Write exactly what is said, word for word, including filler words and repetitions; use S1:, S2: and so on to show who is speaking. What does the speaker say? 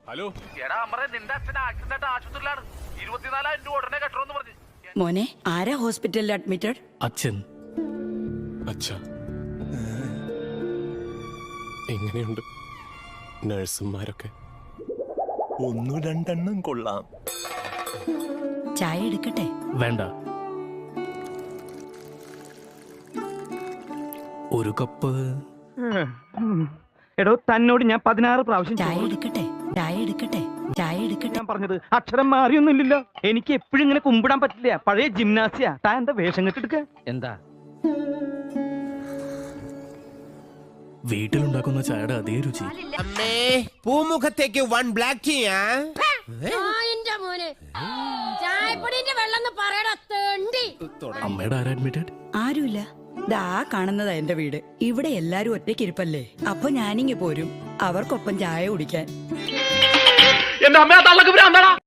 S1: Hello
S2: മോനെ, ആരാ ഹോസ്പിറ്റലിൽ അഡ്മിറ്റഡ്?
S1: അച്ഛൻ. അച്ഛ, എങ്ങനെയുണ്ട് നഴ്സുമാരൊക്കെ?
S3: ഒന്നു രണ്ടെണ്ണം കൊള്ളാം.
S2: ചായ എടുക്കട്ടെ?
S1: വേണ്ട, ഒരു കപ്പ്.
S4: എടോ, തന്നോട് ഞാൻ പതിനാറ് പ്രാവശ്യം
S2: ചായ എടുക്കട്ടെ? ചായ എടുക്കട്ടെ? ചായ എടുക്കട്ടെ?
S4: ഞാൻ പറഞ്ഞത് അക്ഷരം മാറിയൊന്നുമില്ലല്ലോ. എനിക്ക് എപ്പോഴും ഇങ്ങനെ കുമ്പിടാൻ പറ്റില്ല. പഴയ ജിംനാസിയ. താൻ എന്താ വേഷം കെട്ടെടുക്ക? എന്താ
S1: വീട്ടിലുണ്ടാക്കുന്ന ചായയുടെ അതേ രുചി.
S5: അമ്മേ, പൂമുഖത്തേക്ക് വൺ ബ്ലാക്ക് ടീയാ.
S1: അമ്മയുടെ ആരാ അഡ്മിറ്റഡ്?
S2: ആരുമില്ല. ദാ കാണുന്നതാ എന്റെ വീട്. ഇവിടെ എല്ലാരും ഒറ്റയ്ക്കിരിപ്പല്ലേ, അപ്പൊ ഞാനിങ്ങി പോരും അവർക്കൊപ്പം ചായ കുടിക്കാൻ.
S4: എന്റെ അമ്മ തള്ളക്ക് ഭ്രാന്താടാ.